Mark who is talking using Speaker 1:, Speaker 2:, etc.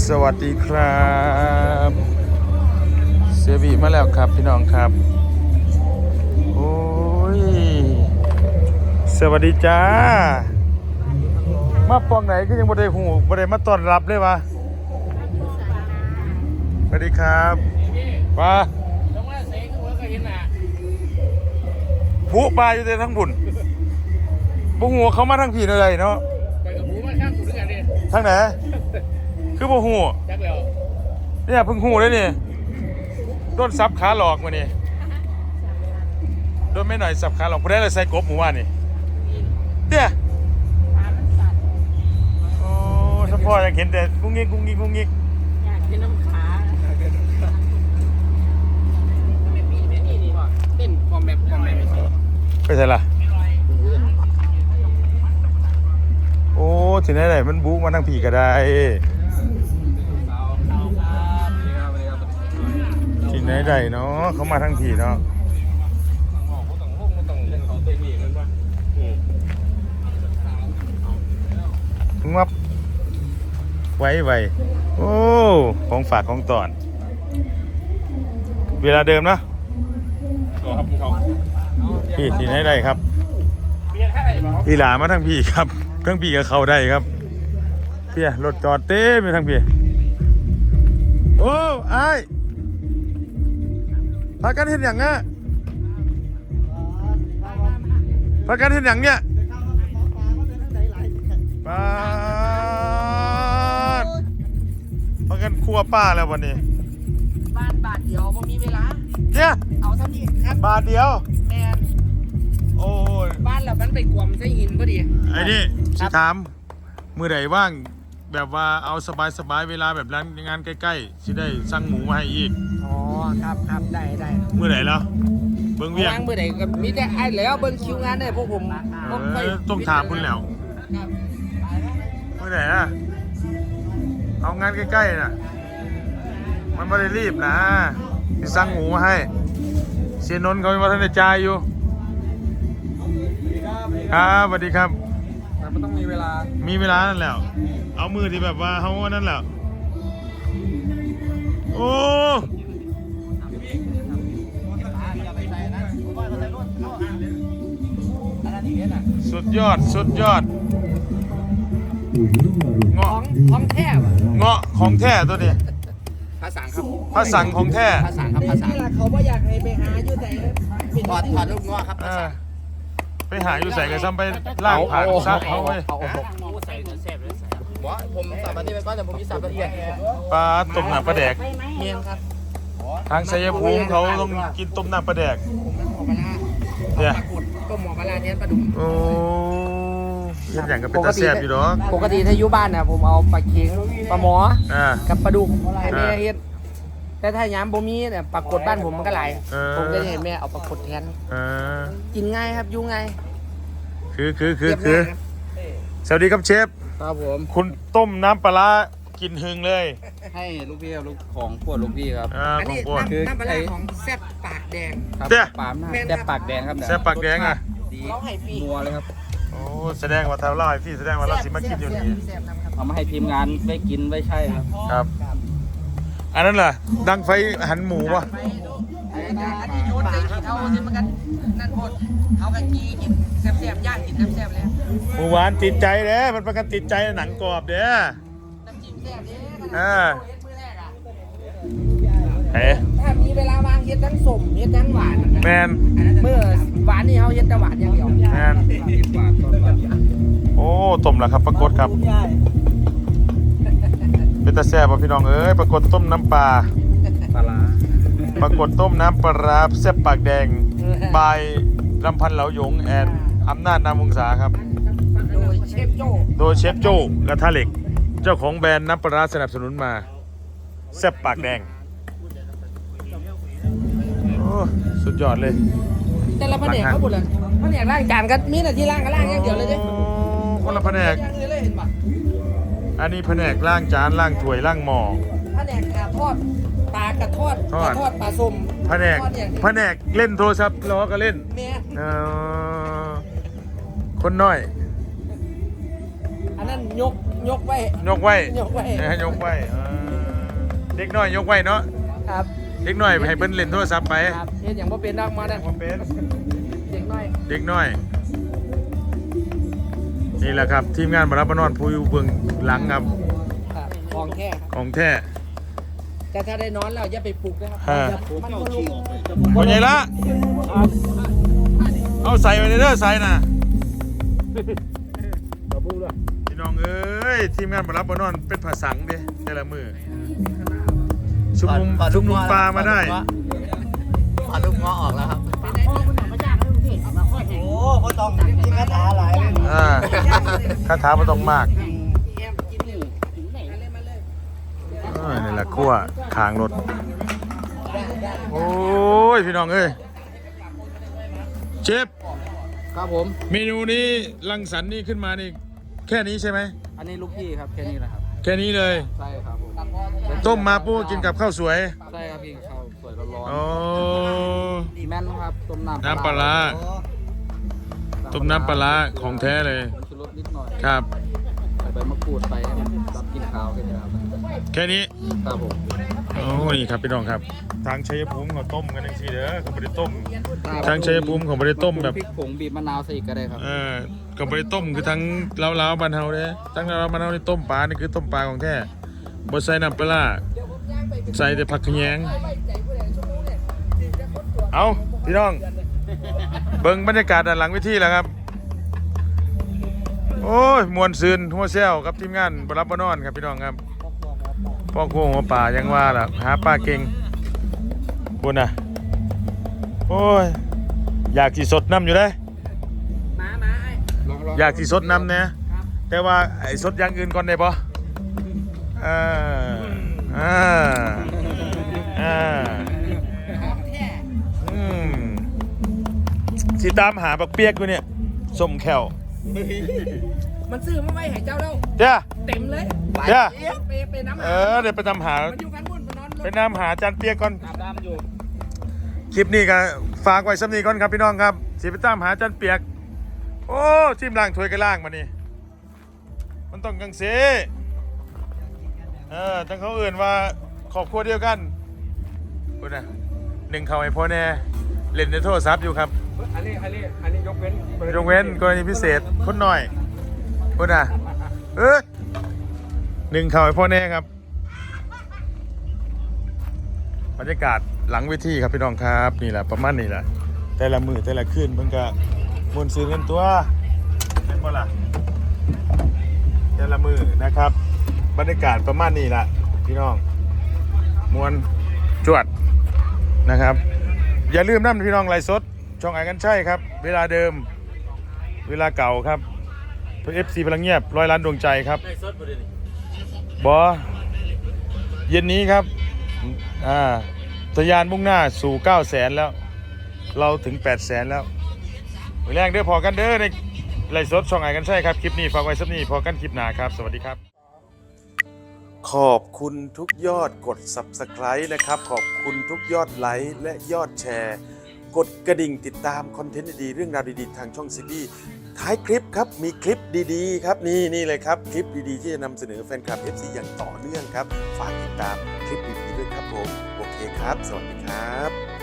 Speaker 1: สวัสดีครับเซบีมาแล้วครับพี่น้องครับโอ้ยสวัสดีจ้ามาปองไหนก็ยังบ่ได้หูบ่ได้มาต้อนรับเลยวะสวัสดีครับว่าผู้ปลาอยู่แต่ทั้งบุญบุหัวเขามาทั้งผีเลยเนาะไปกับผู้มาข้างกูด้วยกันดิทั้งไหนคือบุหัวเนี่ยเพิ่งหูเลยนี่โดนซับขาหลอกมานี่โดนไม่หน่อยซับขาหลอกผู้ได้เลยใส่กบหมู่ว่านี่เนี่ยโอ้ถ้าพ่อยังเห็นแต่กุ้งงิกกุ้งงิกกุ้งงิก
Speaker 2: อยากกินน้ำขาเต้นคอมแบบ
Speaker 1: ไปใช่ล่ะโอ้ที่ไหนมันบุ๊กมาทั้งผีก็ได้ที่ไหนได้เนาะเขามาทั้งผีเนาะงับไว้โอ้ของฝากของตอนเวลาเดิมนะพี่ที่ไหนได้ครับพี่หลามาทั้งพี่ครับทั้งพี่กับเขาได้ครับพี่รถจอดเต้ไปทั้งพี่โอ้ไอ้พากันเห็นอย่างเงี้ยพากันเห็นอย่างเงี้ยป้าพากันครัวป้าแล้ววันนี้
Speaker 2: บ้านบาทเดียวผมมีเวลา
Speaker 1: เนี่ย
Speaker 2: เอาเท่านี้ครับ
Speaker 1: บาทเดียว
Speaker 2: แมน
Speaker 1: โอ้ย
Speaker 2: บ้านเรามันไปกวมใช้หินพอดี
Speaker 1: ไอ้นี่สิถามมือไหนว่างแบบว่าเอาสบายเวลาแบบร้านงานใกล้ๆสิได้สั่งหมูมาให้อีก
Speaker 2: อ๋อครับได้
Speaker 1: มือไหนแล้วเบิ้งเวียง
Speaker 2: มือไหนก็มีแต่ไอ้แล้วเบิ้งคิวงานเนี่ยพวกผม
Speaker 1: ต้องถามคุณแล้วมือไหนนะเอางานใกล้ๆน่ะมันไม่ได้รีบนะสิสั่งหมูมาให้เสียนนท์เขามาทันได้จ่ายอยู่ครับสวัสดีครับ
Speaker 2: แต่มันต้องมีเว
Speaker 1: ลานั่นแหละเอามือที่แบบว่าเขานั่นแหละโอ้สุดยอดเงาะ
Speaker 2: ของแท้
Speaker 1: เงาะของแท้ตัวนี้
Speaker 2: ภาษาครับ
Speaker 1: ภาษาของแท้
Speaker 2: ภาษาครับภาษาเขาไม่อยากให้ไปหาอยู่แต่ถอดลูกเงาะครับ
Speaker 1: ไปหาอยู่ใส่กันซ้ำไปล่างผ่านซักเขาไว้
Speaker 2: ใส่แซ่บเลยบ่ผมสับอันนี้ไปก่อนแต่ผมมีสับละเอียด
Speaker 1: ปลาต้มน้ำปลาแดก
Speaker 2: เมียนครับ
Speaker 1: ทางชัยภูมิเขาต้องกินต้มน้ำปลาแดก
Speaker 2: เนี่ยต้มหมูปลาเทียนปลาดุก
Speaker 1: โอ้ยอย่างกับเป็นตาแซ่บอยู่หรอ
Speaker 2: ปกติถ้าอยู่บ้านนะผมเอาปลาเค็งปลาหมอกับปลาดุกให้แม่เฮ็ดแต่ถ้าย้ำบ่มีเนี่ยปลากดบ้านผมมันก็หลายผมก็จะเห็นแม่เอาปลากดแทนกินง่ายครับยุ่งง่าย
Speaker 1: คือสวัสดีครับเชฟ
Speaker 2: ครับผม
Speaker 1: คุณต้มน้ำปลากินหึงเลย
Speaker 3: ให้ลูกพี่ครับลูกของปวดลูกพี่ครับ
Speaker 2: อันนี้น้ำปลาของแซ่บปากแดง
Speaker 3: ครับปามแซ่บปากแดงครับ
Speaker 1: แซ่บปากแดงอ่ะ
Speaker 2: เขาให้ฟรี
Speaker 3: นัวเลยครับ
Speaker 1: โอ้แสดงว่าทำเล่าให้พี่แสดงว่าเราสิมากินอยู่นี่
Speaker 3: เอามาให้ทีมงานไว้กินไว้ใช่
Speaker 1: ครับอันนั้นล่ะดังไฟหันหมูวะ
Speaker 2: อันนี้โยนใส่ขี้เท่าสิมันกันนั่นหมดเขากันกี้กินแซ่บย่างกินแซ่บเลย
Speaker 1: หมูหวานติดใจเด้มันประกันติดใจหนังกรอบเด้น้
Speaker 2: ำจิ้มแซ่บเด้ถ้ามีเวลาวางเฮ็ดทั้งสมเฮ็ดทั้งหวาน
Speaker 1: แมน
Speaker 2: เมื่อหวานนี่เขาเฮ็ดแต่หวานอย่างเดียว
Speaker 1: แมนโอ้ต้มแล้วครับปรากฏครับเป็นตาแซ่บป่ะพี่น้องเอ้ยปรากฏต้มน้ำปลาปรากฏต้มน้ำปลาแซ่บปากแดงบายลำพันธ์เหลาหยงแอนอำนาจนามวงศาครับ
Speaker 2: โดยเชฟ
Speaker 1: โจ้กระทะเหล็กเจ้าของแบรนด์น้ำปลาสนับสนุนมาแซ่บปากแดงโอ้สุดยอดเลย
Speaker 2: แต่ละแผนกเขาหมดเลยแผนกล้างจานก็มีแต่ที่ล้างก็ล้างอย่างเดียวเลย
Speaker 1: คนละแผนกอันนี้แผนกล้างจานล้างถ้วยล้างหม้อ
Speaker 2: แผนกทอดปลากระทอดปลาส้ม
Speaker 1: แผนกเล่นโทรศัพท์ล้อก็เล่นคนน้อย
Speaker 2: อันนั้นยกไว้
Speaker 1: ยกไว้
Speaker 2: ยกไว้
Speaker 1: ยกไว้เด็กน้อยยกไว้เนาะ
Speaker 2: ครับ
Speaker 1: เด็กน้อยให้เพิ่นเล่นโทรศัพท์ไป
Speaker 2: ครับเฮ็ดอย่างบ่เป็นนักมาได้
Speaker 1: ผมเป็น
Speaker 2: เด็กน้อย
Speaker 1: เด็กน้อยนี่แหละครับทีมงานบรับนอนผู้อยู่เบื้องหลังครับ
Speaker 2: ครับของแท้ครับ
Speaker 1: ของแท้
Speaker 2: แต่ถ้าได้นอนแล้วอย่าไปปลุกนะครับ
Speaker 1: ฮะ
Speaker 2: มันก็ลุก
Speaker 1: คนใหญ่ละเอาใส่ไปเด้อใส่น่ะพี่น้องเอ้ยทีมงานบรับบนอนเป็นผาสังเด้แต่ละมือชุมนุมปลามาได้
Speaker 3: ปลาลูกง้อออกแล้วครับ
Speaker 2: โอ้บ่ต้องมีคาถาหลายเลย
Speaker 1: คาถาบ่ต้องมากนี่แหละขั้วขางรถโอ้ยพี่น้องเอ้ยเชฟ
Speaker 3: ครับผม
Speaker 1: เมนูนี้รังสรรค์นี่ขึ้นมานี่แค่นี้ใช่ไหม
Speaker 3: อันนี้ลูกพี่ครับแค่นี้แหละครับ
Speaker 1: แค่นี้เลย
Speaker 3: ใช่ครับผม
Speaker 1: ต้มมาปูกินกับข้าวสวย
Speaker 3: ใช่ครับพี่ข้าวสวยร้อน
Speaker 1: โอ้
Speaker 3: ๆแม่นครับต้มน้ำ
Speaker 1: น้ำปลาร้าต้มน้ำปลาร้าของแท้เลย
Speaker 3: ชูรสนิดหน่อย
Speaker 1: ครับ
Speaker 3: ใส่ใบมะกรูดไปให้มันรับกลินข้าวแค่นี้ครับ
Speaker 1: แค่นี้
Speaker 3: ครับผม
Speaker 1: โอ้นี่ครับพี่น้องครับทางชัยภูมิเขาต้มกันจังซี่เด้อเขาไม่ได้ต้มทางชัยภูมิเขาไม่ได้ต้มแบบ
Speaker 3: พริกผงบีบมะนาวใส่อีกก็ได้ครับ
Speaker 1: ก็ไม่ได้ต้มคือทั้งเล้าๆบ้านเฮาเด้อทั้งเล้าๆบ้านเฮานี่ต้มปลานี่คือต้มปลาของแท้บ่ใส่น้ำปลาร้าใส่แต่ผักขะแยงเอาพี่น้องเบิ่งบรรยากาศด้านหลังเวทีแล้วครับโอ้ยมวนซืนหัวเซลกับทีมงานบรับบนอนครับพี่น้องครับพ่อโค้งหัวป่ายังว่าล่ะหาปลาเก่งบุญน่ะโอ้ยอยากสิสดน้ำอยู่เด้
Speaker 2: มาไอ้
Speaker 1: อยากสิสดน้ำเนี่ยแต่ว่าไอ้สดอย่างอื่นก่อนได้ปะสิตามหาบักเปียกอยู่เนี่ยสมแขว
Speaker 2: มันซื้อมาไว้ให้เจ้าแล้ว
Speaker 1: เจ้า
Speaker 2: เต็มเลย
Speaker 1: เจ้า
Speaker 2: ไปน้ำ
Speaker 1: เดี๋ยวไปตามหา
Speaker 2: มันอยู่กันบนมันนอนรถ
Speaker 1: ไปนำหาจานเปียกก่อน
Speaker 3: อาบน้ำอยู่
Speaker 1: คลิปนี้ก็ฝากไว้สำนีก่อนครับพี่น้องครับสิไปตามหาจานเปียกโอ้ทีมล่างถวยกันล่างมานี่มันต้องกังเสทั้งเขาอื่นว่าครอบครัวเดียวกันคุณนะหนึ่งเขาให้พ่อแน่เล่นในโทรศัพท์อยู่ครับ
Speaker 2: อันนี้ยกเว้น
Speaker 1: ยกเว้นกรณีพิเศษคนหน่อยคุณนะหนึ่งเขาให้พ่อแน่ครับบรรยากาศหลังเวทีครับพี่น้องครับนี่แหละประมาณนี้แหละแต่ละมือแต่ละคืนเพิ่งก็มวนซื้อเงินตัวเห็นบ่ล่ะแต่ละมือนะครับบรรยากาศประมาณนี้แหละพี่น้องมวนจวดนะครับอย่าลืมนะพี่น้องไลฟ์สดช่องไอ้กันใช่ครับเวลาเดิมเวลาเก่าครับเพื่อ FC พลังเงียบ100 ล้านดวงใจครับบอเย็นนี้ครับทะยานมุ่งหน้าสู่900,000แล้วเราถึง800,000แล้วมือแรงเด้อพอกันเด้อในไลฟ์สดช่องไอ้กันใช่ครับคลิปนี้ฝากไว้สักนี้พอกันคลิปหน้าครับสวัสดีครับขอบคุณทุกยอดกด Subscribe นะครับขอบคุณทุกยอดไลค์และยอดแชร์กดกระดิ่งติดตามคอนเทนต์ดีๆเรื่องราวดีๆทางช่องซีบีท้ายคลิปครับมีคลิปดีๆครับนี่เลยครับคลิปดีๆที่จะนำเสนอแฟนคลับ FC อย่างต่อเนื่องครับฝากติดตามคลิปดีๆด้วยครับผมโอเคครับสวัสดีครับ